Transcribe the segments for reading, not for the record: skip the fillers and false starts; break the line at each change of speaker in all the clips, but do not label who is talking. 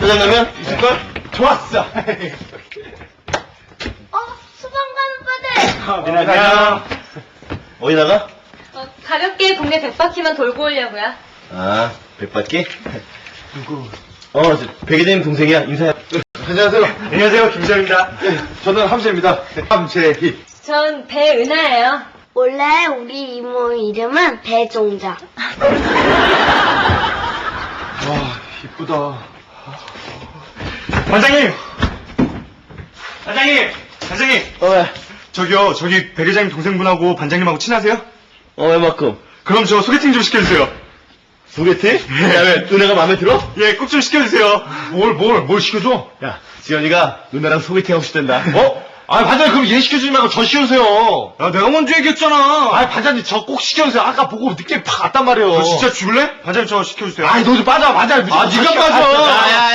짜장라면 있을걸? 좋았어.
수방 가는
안녕. 어디 나가?
가볍게 동네 100바퀴만 돌고 오려고요.
아, 백바퀴? 누구? 백이대님 동생이야. 인사해. 안녕하세요.
안녕하세요, 김지현입니다.
저는 함재입니다.
함재희.
전 배은하예요.
원래 우리 이모 이름은 배종자.
와, 이쁘다. 반장님! 반장님! 반장님!
왜?
저기 백 회장님 동생분하고 반장님하고 친하세요?
얼마큼?
그럼 저 소개팅 좀 시켜주세요.
소개팅? 야, 왜? 누나가 마음에 들어?
예, 꼭 좀 시켜주세요. 뭘 시켜줘?
야, 지연이가 누나랑 소개팅 하고 싶단다.
반장님, 그럼 얘 시켜주지 말고 저 시켜주세요. 야, 내가 먼저 얘기했잖아.
반장님, 저 꼭 시켜주세요. 아까 보고 늦게 팍 왔단 말이에요.
너 진짜 죽을래? 반장님, 저 시켜주세요.
너 좀 빠져, 반장님.
네가 빠져.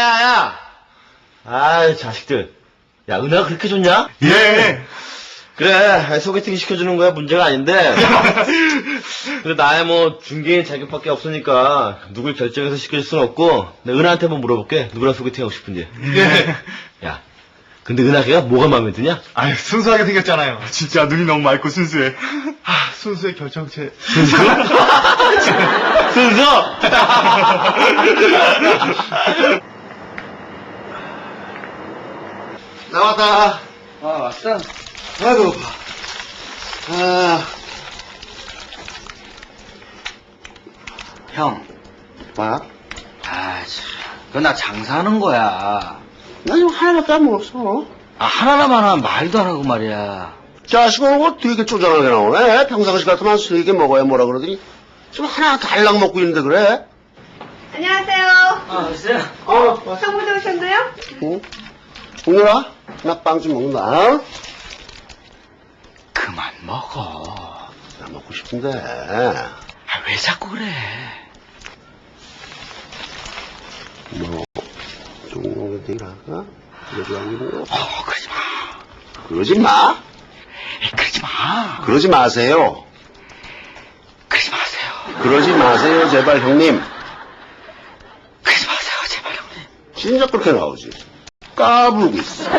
야. 자식들. 야, 은하가 그렇게 좋냐?
예.
그래, 소개팅 시켜주는 거야 문제가 아닌데. 근데 나야 중개인 자격밖에 없으니까 누굴 결정해서 시켜줄 순 없고, 내가 은하한테 한번 물어볼게. 누구랑 소개팅 하고 싶은지.
예.
야, 근데 은하가 뭐가 마음에 드냐?
아유, 순수하게 생겼잖아요. 진짜 눈이 너무 맑고 순수해. 순수의 결정체.
순수? 순수? 나왔다.
왔어?
아이고,
형,
뭐?
그거 나 장사하는 거야.
나 지금 하나밖에 안 먹었어.
하나만 하면 말도 안 하고 말이야.
자식 오늘 되게 쪼잔하게 나오네. 평상시 같으면 세 개 먹어야 뭐라 그러더니 지금 하나 달랑 먹고 있는데 그래?
안녕하세요.
글쎄요.
형부도 오셨나요?
응? 동료라, 나 빵 좀 먹는다.
그만 먹어.
나 먹고 싶은데.
왜 자꾸 그래?
좀 되게 할까? 그러지 말고.
그러지 마.
그러지 마.
그러지 마.
그러지 마세요.
그러지 마세요.
그러지 마세요, 제발 형님.
그러지 마세요, 제발 형님.
진짜 그렇게 나오지. 까불고 있어.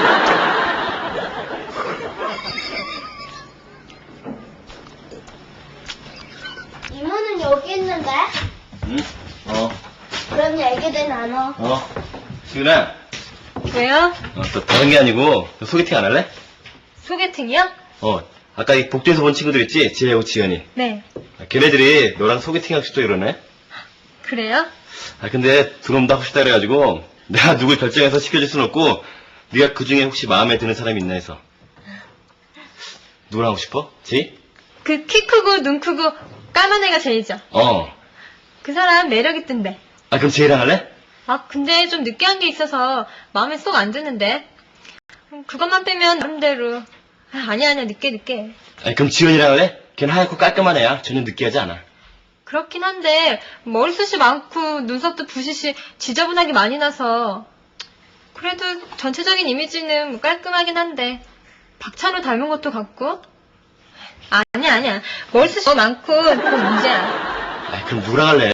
이모는 여기 있는데?
응?
그럼 얘기들 나눠.
지은아.
왜요?
또 다른 게 아니고, 너 소개팅 안 할래?
소개팅이요?
아까 이 복도에서 본 친구들 있지? 지혜하고 지연이.
네.
걔네들이 너랑 소개팅 하고 싶다 이러네?
그래요?
근데 둘은 다 하고 싶다 그래가지고, 내가 누굴 결정해서 시켜줄 순 없고, 네가 그 중에 혹시 마음에 드는 사람이 있나 해서. 누구랑 하고 싶어? 지?
그 키 크고 눈 크고 까만 애가 제이죠. 그 사람 매력 있던데.
그럼 지혜랑 할래?
근데 좀 느끼한 게 있어서 마음에 쏙 안 드는데. 그것만 빼면 나름대로. 아니야, 늦게.
그럼 지연이랑 할래? 걔는 하얗고 깔끔한 애야. 전혀 느끼하지 않아.
그렇긴 한데 머리숱이 많고 눈썹도 부시시 지저분하게 많이 나서 그래도 전체적인 이미지는 깔끔하긴 한데 박찬호 닮은 것도 같고. 아니야. 머리숱이 너무 많고 그건 문제야.
그럼 누구랑 할래?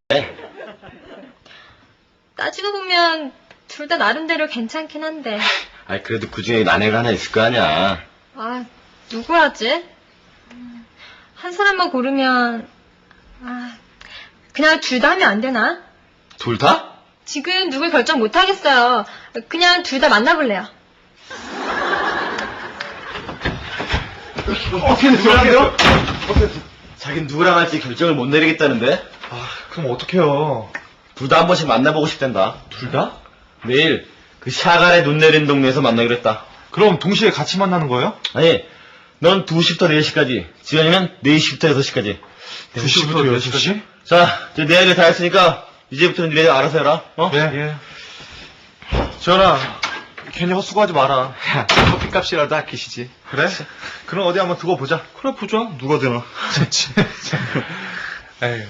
따지고 보면 둘 다 나름대로 괜찮긴 한데.
그래도 그 중에 아내가 하나 있을 거 아니야.
누구 하지? 한 사람만 고르면 그냥 둘 다 하면 안 되나?
둘 다?
지금 누굴 결정 못 하겠어요. 그냥 둘 다 만나볼래요.
어떻게 누구랑요? 자긴 누구랑 할지 결정을 못 내리겠다는데?
그럼 어떡해요?
둘 다 한 번씩 만나보고 싶단다.
둘 다?
내일 그 샤갈에 눈 내린 동네에서 만나기로 했다.
그럼 동시에 같이 만나는 거예요?
아니, 넌 2시부터 4시까지, 지연이는 4시부터 6시까지.
2시부터 6시까지?
자, 이제 내 얘기 다 했으니까 이제부터는 니네 알아서 해라.
예. 전화, 괜히 헛수고하지 마라. 커피값이라도 아끼시지. 그래? 그럼 어디 한번 두고 보자. 그래, 보자. 누가 되나. 좋지. 에휴.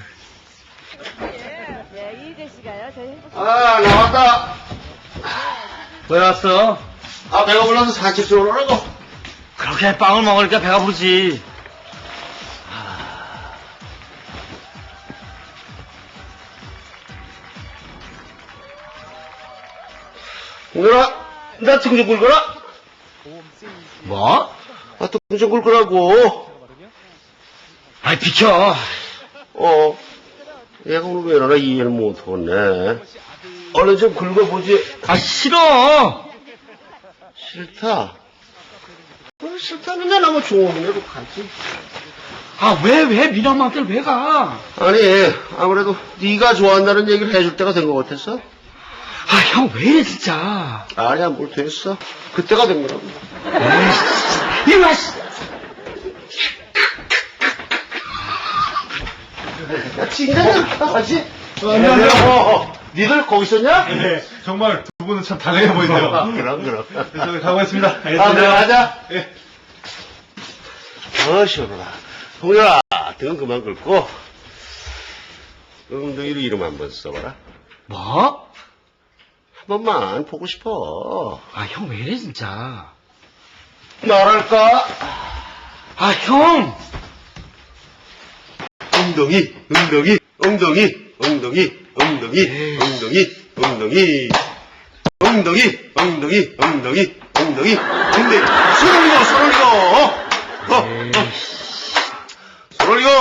나왔다.
왜 왔어?
배가 불러서 산책 좀 오라고.
그렇게 빵을 먹으니까 배가 부르지.
홍렬아, 나 등 좀 굴거라.
뭐?
아, 등 좀 굴거라고.
아이, 비켜.
얘가 오늘 왜 이러나 이해를 못하겠네. 얼른 좀 긁어보지.
아, 싫어.
싫다. 싫다는데 나뭐 종업이라도 가지.
아, 왜 미남한테 왜 가?
아니, 아무래도 네가 좋아한다는 얘기를 해줄 때가 된 것 같았어.
아, 형, 왜 이래, 진짜.
아니야, 뭘 됐어. 그때가 된 거라고.
이리 와, 씨.
야, 진짜냐? 같이? 안녕하세요. 니들 거기 있었냐?
네, 정말 두 분은 참 다양해 보이네요.
그럼.
저기 가보겠습니다.
아, 네, 가자.
예.
시원하다. 홍렬아, 등은 그만 긁고, 엉덩이로 이름 한번 써봐라.
뭐?
한 번만 보고 싶어.
아, 형, 왜 이래, 진짜.
말할까?
아, 형!
엉덩이. 손 올리고. 손 올리고.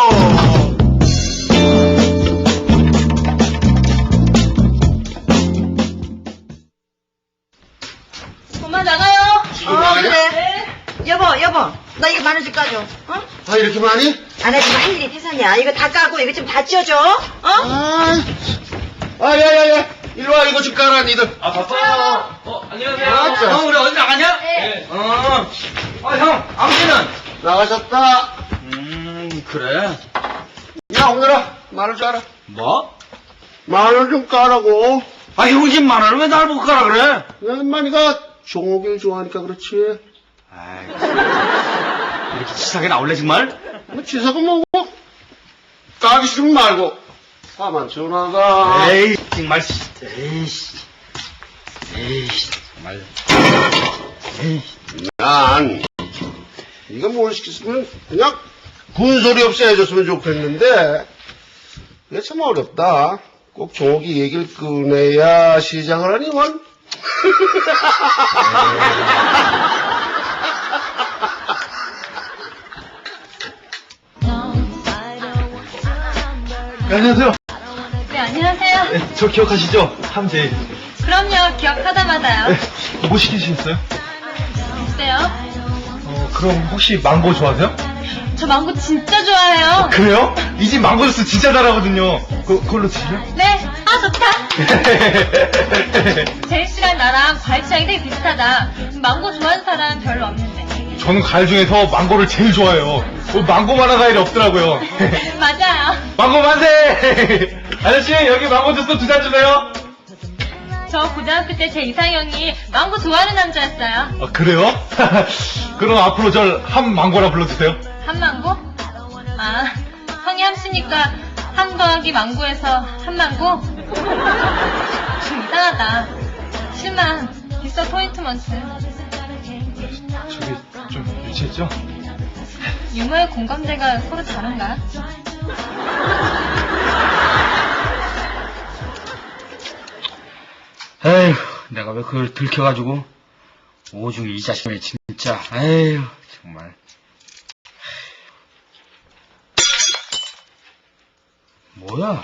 엄마 나가요.
나가냐?
네.
여보, 나 이거 만원씩 까줘. 어?
아, 이렇게 많이?
안 하지 마, 할 일이 태산이야. 이거 다 까고 이거 좀 다 찌워줘. 어?
야. 일로 와, 이거 좀 깔아, 니들.
아, 바빠요. 안녕하세요.
아, 자.
우리 어디 나가냐? 네. 형, 아버지는?
나가셨다.
그래.
야, 홍렬아, 말을 줄 알아.
뭐?
말을 좀 까라고.
아, 형 집 만원을 왜 날 보고 가라 그래?
야, 인마니가 종옥이를 좋아하니까 그렇지.
아이, 이렇게 치사하게 나올래, 정말?
뭐, 치사가 뭐고? 까기 싫으면 말고. 가만 전화가.
에이, 정말, 에이, 정말.
난, 네가 뭘 시켰으면 그냥 군소리 없이 해줬으면 좋겠는데, 이게 참 어렵다. 꼭 종옥이 얘기를 꺼내야 시작을 하니, 원.
안녕하세요.
네, 안녕하세요.
네, 저 기억하시죠? 함재.
그럼요, 기억하다마다요.
뭐 시키셨어요?
어때요?
그럼 혹시 망고 좋아하세요?
저 망고 진짜 좋아해요.
그래요? 이 집 망고 주스 진짜 잘하거든요. 그걸로 드실래요?
네, 좋다. 제인 씨랑 나랑 과일 취향이 되게 비슷하다. 망고 좋아하는 사람 별로 없는데.
저는 과일 중에서 망고를 제일 좋아해요. 망고만한 과일이 없더라고요.
맞아요.
망고 만세! 아저씨, 여기 망고 주스 2잔 주세요.
저 고등학교 때 제 이상형이 망고 좋아하는 남자였어요.
아, 그래요? 그럼 앞으로 절 함망고라 불러주세요.
한망고? 아, 성이 함씨니까 함 더하기 망고에서 한망고? 좀 이상하다. 실망, 있어 포인트먼트.
저기 좀 유치했죠?
유머의 공감대가 서로 다른가?
에휴, 내가 왜 그걸 들켜가지고. 오중이 이 자식이 진짜. 에휴, 정말. 뭐야?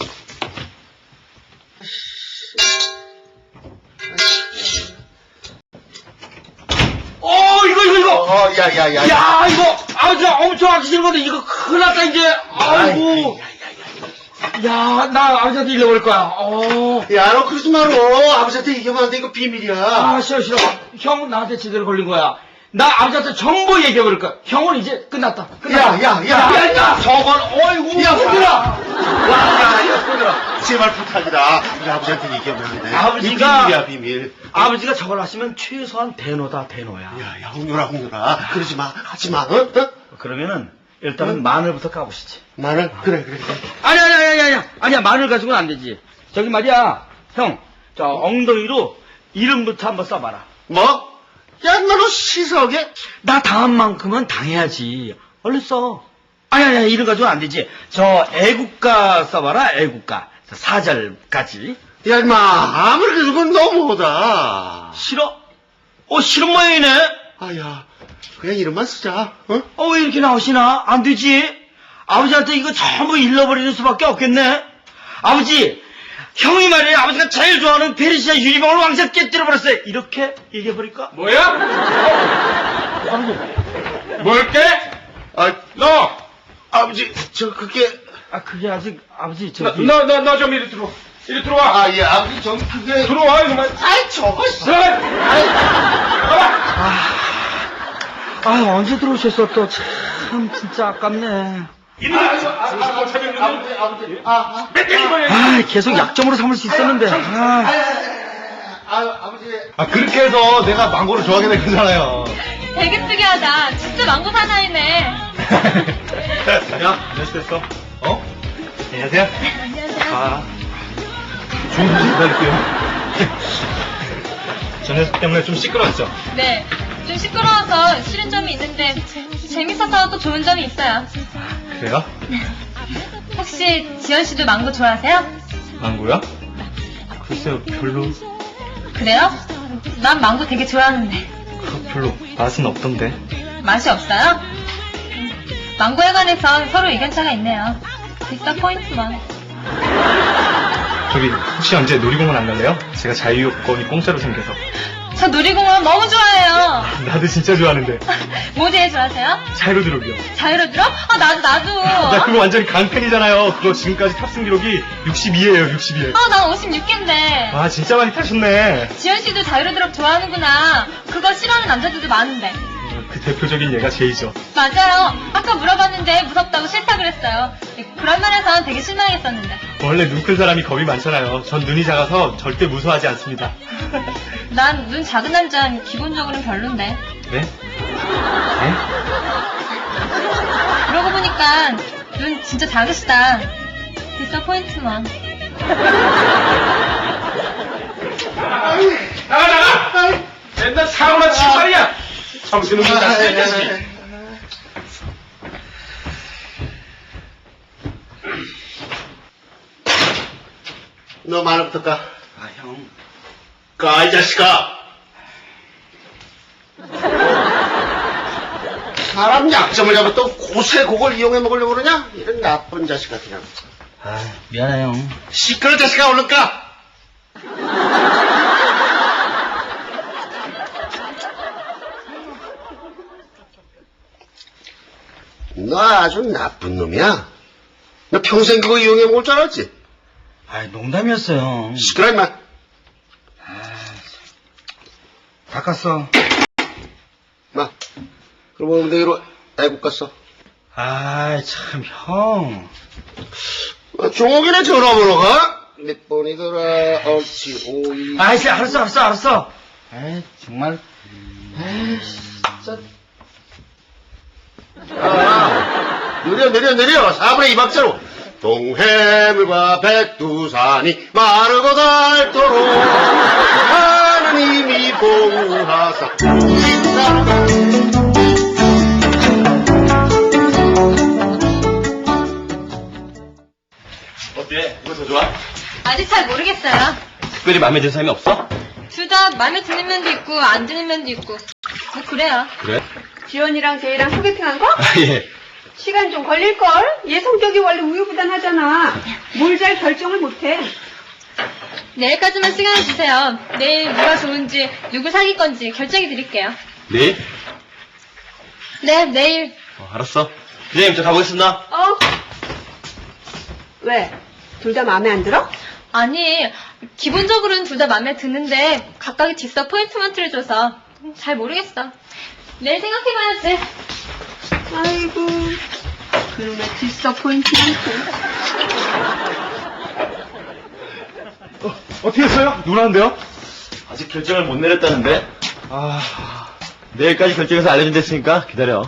이거!
야.
야, 이거! 아, 저 엄청 하기 싫은 건데, 이거 큰일 났다, 이제! 아이고! 야, 나 아버지한테 잃어버릴 거야.
야, 너 그러지 마라. 아버지한테 얘기하면 안 돼. 이거 비밀이야.
아, 싫어. 형 나한테 제대로 걸린 거야. 나 아버지한테 전부 얘기해버릴 거야. 형은 이제 끝났다.
야.
저건, 어이구.
야, 손들어.
야,
손들어. 제발 부탁이다. 우리 아버지한테 얘기하면 안 돼.
아버지가-
비밀이야, 비밀.
아버지가 저걸 하시면 최소한 대노다, 대노야.
야, 홍렬아. 그러지 마. 하지 마. 어?
그러면은, 일단은 마늘부터 까보시지.
마늘? 그래.
아니야, 마늘 가지고는 안 되지. 저기 말이야, 형, 저 엉덩이로 이름부터 한번 써봐라.
뭐? 야, 너는 시석에?
나 당한 만큼은 당해야지. 얼른 써. 아니야, 이름 가지고는 안 되지. 저 애국가 써봐라, 애국가. 4절까지.
야, 임마, 아무리 그래도 그건 너무하다.
싫어? 싫은 모양이네?
아야, 그냥 이름만 쓰자, 어?
왜 이렇게 나오시나? 안 되지. 아버지한테 이거 전부 잃어버리는 수밖에 없겠네. 아버지, 형이 말이에요. 아버지가 제일 좋아하는 페르시아 유리병을 왕창 깨뜨려버렸어요. 이렇게 얘기해버릴까?
뭐야? 뭘게?
너! 아버지, 그게.
그게 아직, 아버지, 저기.
너 좀 이리 들어와. 이리 들어와.
예, 아버지, 그게.
들어와, 이놈아.
저거.
언제 들어오셨어, 또. 참, 진짜 아깝네. 계속 약점으로 삼을 수 있었는데.
아버지.
그렇게 해서 내가 망고를 좋아하게 된 거잖아요.
되게 특이하다. 진짜 망고 사나이네.
야, 됐어. 안녕하세요.
안녕하세요.
좋은 소식 기다릴게요. 저 녀석 때문에 좀 시끄러웠죠?
네. 좀 시끄러워서 싫은 점이 있는데 재밌어서 또 좋은 점이 있어요.
그래요?
혹시 지현 씨도 망고 좋아하세요?
망고요? 글쎄요, 별로.
그래요? 난 망고 되게 좋아하는데.
별로 맛은 없던데.
맛이 없어요? 망고에 관해서 서로 의견차가 있네요. 디서포인트만.
저기, 혹시 언제 놀이공원 안 갈래요? 제가 자유여권이 공짜로 생겨서.
저 놀이공원 너무 좋아해요.
나도 진짜 좋아하는데.
뭐 제일 좋아하세요?
자유로드롭이요.
자유로드롭? 나도.
나 그거 완전 강팬이잖아요. 그거 지금까지 탑승 기록이 62예요, 62에.
난 56개인데.
와, 진짜 많이 타셨네.
지현 씨도 자유로드롭 좋아하는구나. 그거 싫어하는 남자들도 많은데.
그 대표적인 얘가 제이죠.
맞아요. 아까 물어봤는데 무섭다고 싫다 그랬어요. 그런 면에선 되게 실망했었는데.
원래 눈 큰 사람이 겁이 많잖아요. 전 눈이 작아서 절대 무서워하지 않습니다.
난 눈 작은 남자는 기본적으로는 별론데.
네? 네?
그러고 보니까 눈 진짜 작으시다. 디서포인트만.
나가! 맨날 사고나 치고 말이야! 정신은 못 잡게, 자식이.
너 말부터 까.
형.
까, 이 자식아. 사람 약점을 잡아 또 고세 그걸 이용해 먹으려고 그러냐? 이런 나쁜 자식아, 그냥.
미안해, 형.
시끄러, 자식아, 얼른 까! 너 아주 나쁜 놈이야. 너 평생 그거 이용해 먹을 줄 알았지?
농담이었어요, 형.
시끄러, 임마.
닦았어.
마. 그럼 엉덩이로 애국 갔어.
참, 형.
종옥이네 전화번호가? 몇 번이더라? 옳지, 5, 2.
알았어. 정말. 진짜.
느려. 4분의 2박자로. 동해물과 백두산이 마르고 닳도록 하느님이 보호하사.
어때? 이거 더 좋아?
아직 잘 모르겠어요.
특별히 마음에 드는 사람이 없어?
둘 다 마음에 드는 면도 있고 안 드는 면도 있고. 뭐 그래요.
그래?
지원이랑 제이랑 소개팅한 거?
예.
시간 좀 걸릴걸? 얘 성격이 원래 우유부단하잖아. 뭘 잘 결정을 못해.
내일까지만 시간을 주세요. 내일 누가 좋은지 누구 사귈 건지 결정해 드릴게요.
내일?
네, 내일.
알았어. 선생님, 저 가보겠습니다.
왜? 둘 다 마음에 안 들어?
아니, 기본적으로는 둘 다 마음에 드는데 각각의 디서포인트먼트를 줘서 잘 모르겠어. 내일 생각해봐야지.
아이고, 그놈의 디서포인트먼트.
어떻게 했어요? 누나인데요?
아직 결정을 못 내렸다는데? 내일까지 결정해서 알려준댔으니까 기다려.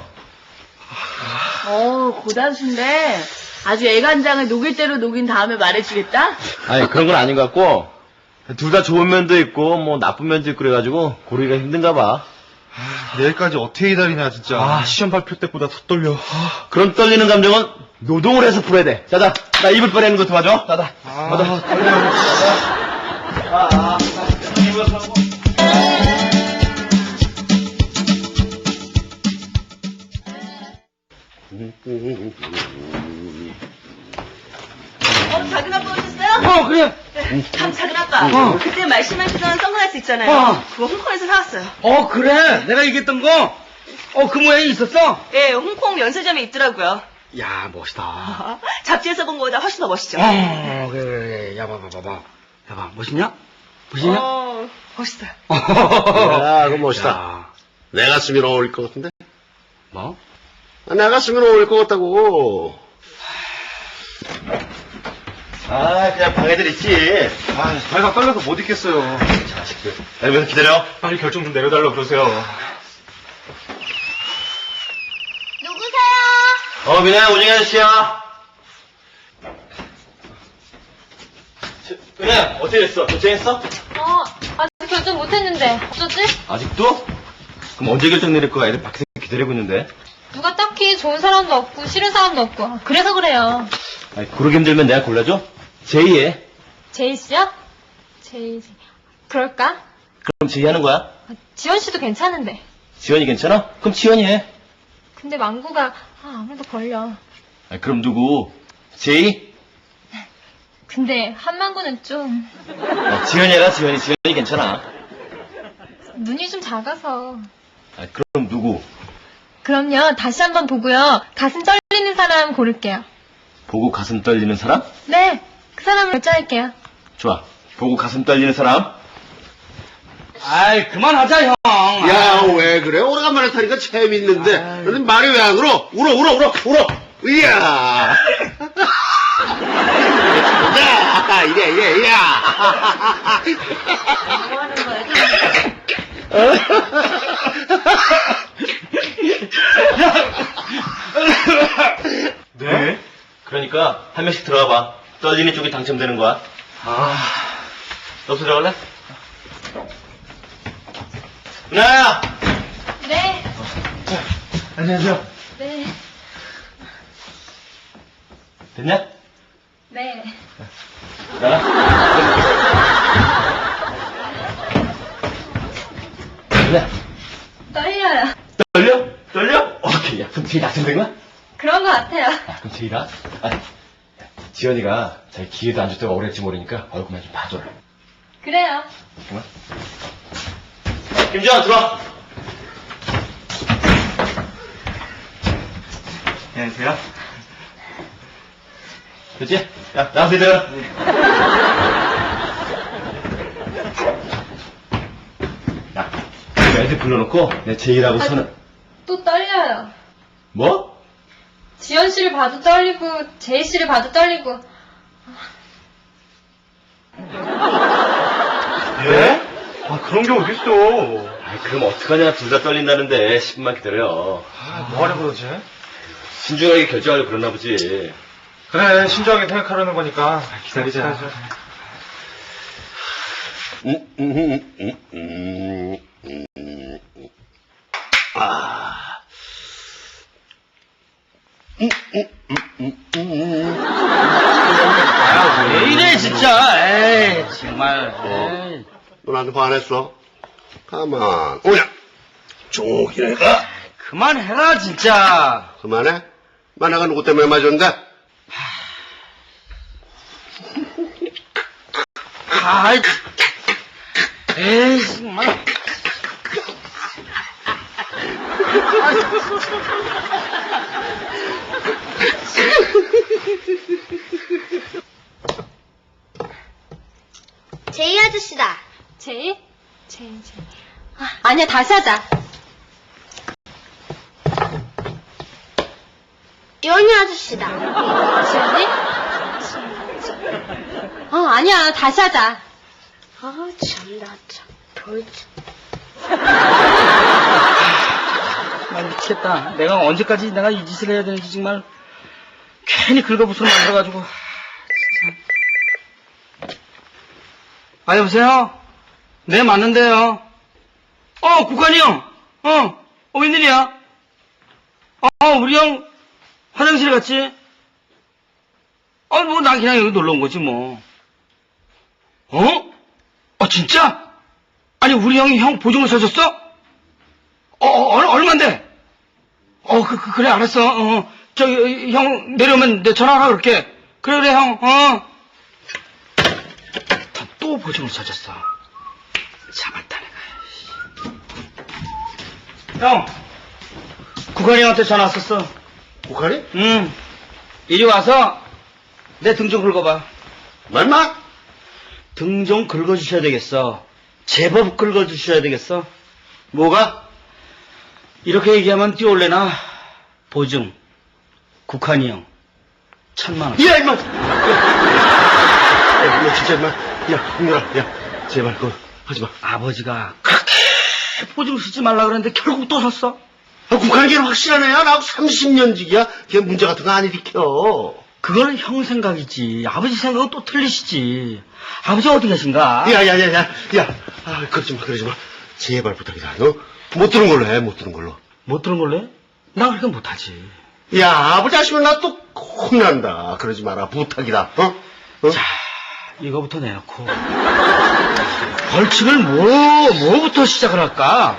고단수인데 아주 애간장을 녹일 대로 녹인 다음에 말해주겠다?
아니, 그런 건 아닌 것 같고, 둘 다 좋은 면도 있고, 뭐, 나쁜 면도 있고, 그래가지고, 고르기가 힘든가 봐.
내일까지 어떻게 기다리냐, 진짜. 시험 발표 때보다 더 떨려.
그런 떨리는 감정은 노동을 해서 풀어야 돼. 자자, 나 이불 빼내는 거 도와줘. 나다.
떨려.
작은 아빠 오셨어요?
그래.
작은 아빠.
어.
그때 말씀하시던 선글라스 있잖아요.
어.
그거 홍콩에서 사왔어요.
그래. 내가 얘기했던 거. 그 모양이 있었어?
예, 홍콩 면세점에 있더라고요.
야, 멋있다.
잡지에서 본 거보다 훨씬 더 멋있죠?
그래. 야, 봐봐. 멋있냐? 멋있냐?
멋있어요.
야, 그거 멋있다.
야,
내 가슴이 어울릴 것 같은데?
뭐?
내 가슴이 어울릴 것 같다고.
그냥 방에들 있지.
발가 떨려서 못 있겠어요.
자식들. 여기서 기다려.
빨리 결정 좀 내려달라고 그러세요.
누구세요?
민아야, 오징어 아저씨야. 민아야, 어떻게 됐어? 결정했어?
아직 결정 못했는데. 어쩌지?
아직도? 그럼 언제 결정 내릴 거야? 애들 밖에서 기다리고 있는데.
누가 딱히 좋은 사람도 없고, 싫은 사람도 없고. 그래서 그래요.
고르기 힘들면 내가 골라줘? 제이해.
제이 씨요? 제이. 그럴까?
그럼 제이 하는 거야?
지원 씨도 괜찮은데.
지원이 괜찮아? 그럼 지원이 해.
근데 망구가 아무래도 걸려.
그럼 누구? 제이?
근데 한망구는 좀
지원이 해라, 지원이 괜찮아.
눈이 좀 작아서.
그럼 누구?
그럼요. 다시 한번 보고요. 가슴 떨리는 사람 고를게요.
보고 가슴 떨리는 사람?
네. 그 사람을 결정할게요.
좋아. 보고 가슴 떨리는 사람?
그만하자, 형.
야, 왜 그래? 오래간만에 타니까 재밌는데. 근데 말이 왜 안 울어? 울어. 이야. 야, 이래, 야.
뭐 하는 거야?
네? 그러니까 한 명씩 들어가 봐. 떨리는 쪽이 당첨되는 거야. 너도 들어갈래? 은하야!
네.
안녕하세요.
네.
됐냐?
네.
나가. 은하야.
떨려요.
떨려? 오케이. 야, 그럼 제일 당첨된 거야?
그런 거 같아요.
그럼 제이가? 지연이가 자기 기회도 안 줬다가 오래 했지 모르니까 얼굴만 좀 봐줘라.
그래요.
잠깐만. 김지환 들어와.
안녕하세요.
됐지? 야, 나가서 이들. 야, 애들 불러놓고 내 제이라고 손을.
또 떨려요.
뭐?
지연 씨를 봐도 떨리고, 제이 씨를 봐도 떨리고.
예? 그런 게 어딨어.
그럼 어떡하냐. 둘 다 떨린다는데 10분만 기다려.
뭐하려고 그러지?
신중하게 결정하려고 그러나 보지.
그래, 신중하게 생각하려는 거니까. 기다리자.
왜 이래, 진짜. 에이, 정말. 에이.
너 나한테 반했어? 가만. 오냐. 종옥이네가.
그만해라, 진짜.
그만해? 내가 누구 때문에 맞았는데?
에이, 정말.
제이 아저씨다.
제이? 제이. 아니야, 다시 하자.
지원이 아저씨다.
지연이? 아니야, 다시 하자.
참나 참.
미치겠다. 내가 언제까지 내가 이 짓을 해야 되는지 정말 괜히 긁어부스러 만들어가지고. 여보세요? 네, 맞는데요. 국관이 형. 웬일이야? 우리 형 화장실에 갔지? 난 그냥 여기 놀러 온 거지, 뭐. 진짜? 아니, 우리 형이 형 보증을 서줬어? 얼만데? 그래, 알았어. 저기, 형 내려오면 내 전화하라 그럴게. 그래, 형, 또 보증을 서줬어. 잡았다, 내가. 형, 국환이 형한테 전화 왔었어.
국한이?
응. 이리 와서 내 등 좀 긁어봐.
말마?
등 좀 긁어주셔야 되겠어. 제법 긁어주셔야 되겠어.
뭐가?
이렇게 얘기하면 뛰어올래나? 보증. 국환이 형. 1,000만 원.
야, 임마! 야, 진짜, 임마. 야, 홍렬아, 야, 제발, 그거 하지 마.
아버지가 그렇게 보증 쓰지 말라 그랬는데 결국 또 샀어.
국한이 걔는 확실하네. 나하고 30년 지기야. 걔 문제 같은 거 안 일으켜.
그거는 형 생각이지. 아버지 생각은 또 틀리시지. 아버지 어디 계신가?
야. 그러지 마. 제발 부탁이다. 너 못 들은 걸로 해, 못 들은 걸로.
못 들은 걸로 해? 나 그렇게 못하지.
야, 아버지 하시면 나 또 혼난다. 그러지 마라. 부탁이다. 어?
자, 이거부터 내놓고. 벌칙을 뭐부터 시작을 할까?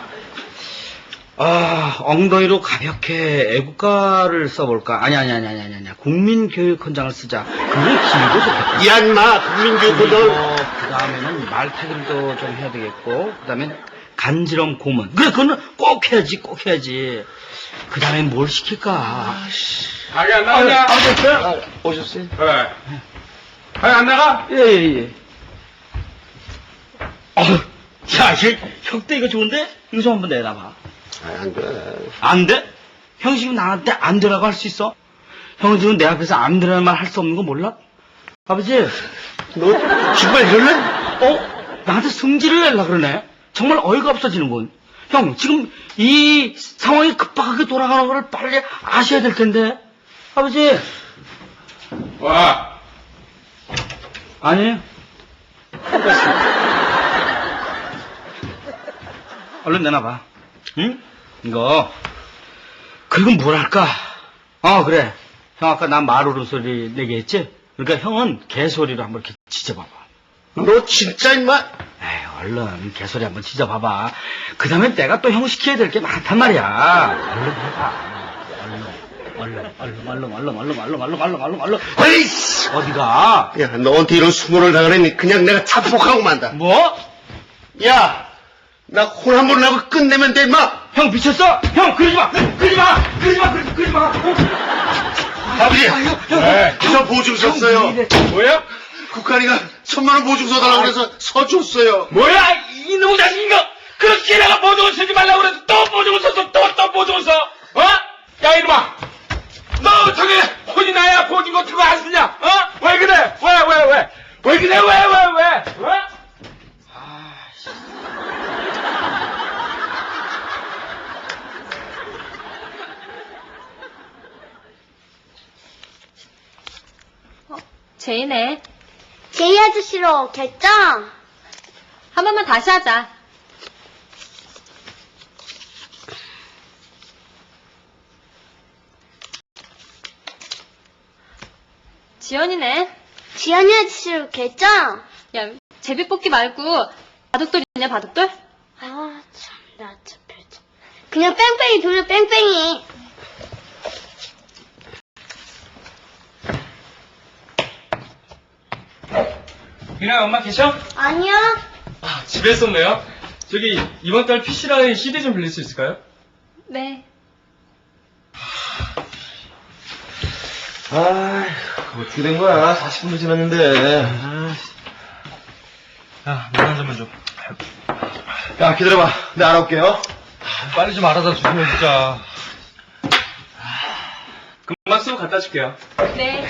엉덩이로 가볍게 애국가를 써볼까? 아니. 국민교육헌장을 쓰자. 그게 길고 좋겠다.
야, 임마. 국민교육원장을.
그 다음에는 말타기도 좀 해야 되겠고, 그 다음엔 간지럼 고문. 그래, 그거는 꼭 해야지. 그 다음엔 뭘 시킬까?
아기 안 나가냐?
오셨어요?
왜? 아기 안 나가?
예. 야, 혁대 이거 좋은데? 이거 좀 한번 내놔봐.
안 돼.
안 돼? 형 지금 나한테 안 되라고 할 수 있어? 형은 지금 내 앞에서 안 되라는 말 할 수 없는 거 몰라? 아버지,
너 정말 이럴래?
나한테 승질을 내려고 그러네? 정말 어이가 없어지는군. 형, 지금 이 상황이 급박하게 돌아가는 걸 빨리 아셔야 될 텐데. 아버지.
와.
아니에요. 얼른 내놔봐. 응? 이거. 그리고 뭘 할까? 그래. 형 아까 난 말 소리 내게 했지? 그러니까 형은 개소리로 한번 이렇게 짖어봐봐.
너 진짜 임마.
에이, 얼른 개소리 한번 짖어봐봐. 그 다음에 내가 또 형 시켜야 될 게 많단 말이야. 얼른 해봐. 얼른.
에이씨.
어디가?
야, 너한테 이런 수모를 당하려니 그냥 내가 자폭하고 만다.
뭐?
야, 나 혼 한 번 나고 끝내면 돼, 임마.
형 미쳤어? 형 그러지 마.
아버지,
왜?
저 보증 썼어요.
뭐야?
국한이가 1,000만 원 보증 써달라고 그래서 서줬어요.
뭐야? 이놈의 자식인가? 그렇게 내가 보증을 쓰지 말라고 그래서 또 보증을 썼어. 또 보증을 써. 야, 이놈아. 너 저기 혼이 나야 보증 같은 거 안 쓰냐? 왜 그래? 왜 그래? 왜?
제이네.
제이 아저씨로 결정.
한 번만 다시 하자. 지연이네.
지연이 아저씨로 결정.
야, 제비뽑기 말고 바둑돌 있냐, 바둑돌?
참, 나 참 별점. 그냥 뺑뺑이 돌려, 뺑뺑이.
미나야, 엄마 계셔?
아니야.
집에 있었네요. 저기 이번 달 PC라인 CD 좀 빌릴 수 있을까요?
네.
그거 어떻게 된 거야? 40분도 지났는데.
야, 물 한 잔만 줘.
야, 기다려봐. 내가 알아올게요.
빨리 좀 알아다 주세요, 진짜.
금방 쓰고 갖다 줄게요.
네.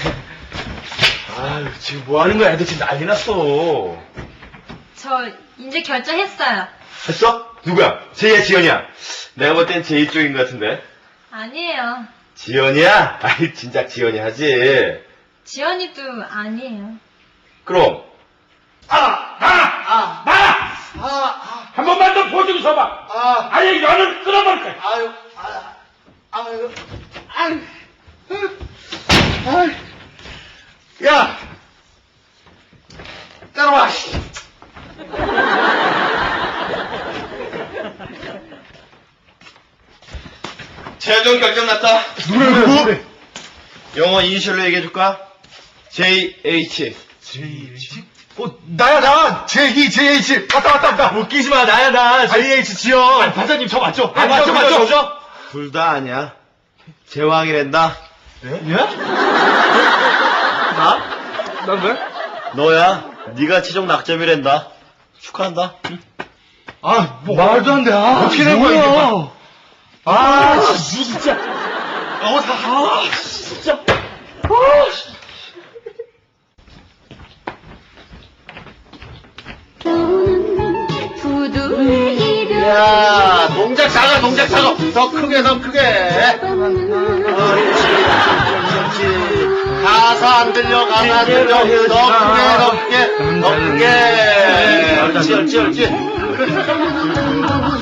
지금 뭐 하는 거야? 애들 지금 난리 났어.
저 이제 결정했어요.
했어? 누구야? 제이야, 지연이야? 내가 볼 땐 제이 쪽인 것 같은데.
아니에요.
지연이야? 아이, 진작 지연이 하지.
지연이도 아니에요.
그럼.
한 번만 더 보증 서봐. 아니, 너는 끊어버릴 거야.
야! 따라와, 씨.
최종 결정 났다.
누구?
영어 이니셜로 얘기해줄까? JH.
나야, 나! JH! 맞다.
웃기지 마, 나야, 나.
JH 지영! 아니, 반장님, 저 맞죠?
맞죠? 둘 다 아니야. 제왕이란다.
예?
나?
난 왜?
너야. 네가 최종 낙점이란다. 축하한다. 응?
아, 뭐, 말도 안 돼. 어떻게 된 거야, 이게? 진짜. 진짜.
야, 동작 작아. 더 크게. 가사 안 들려. 더 크게. 옳지.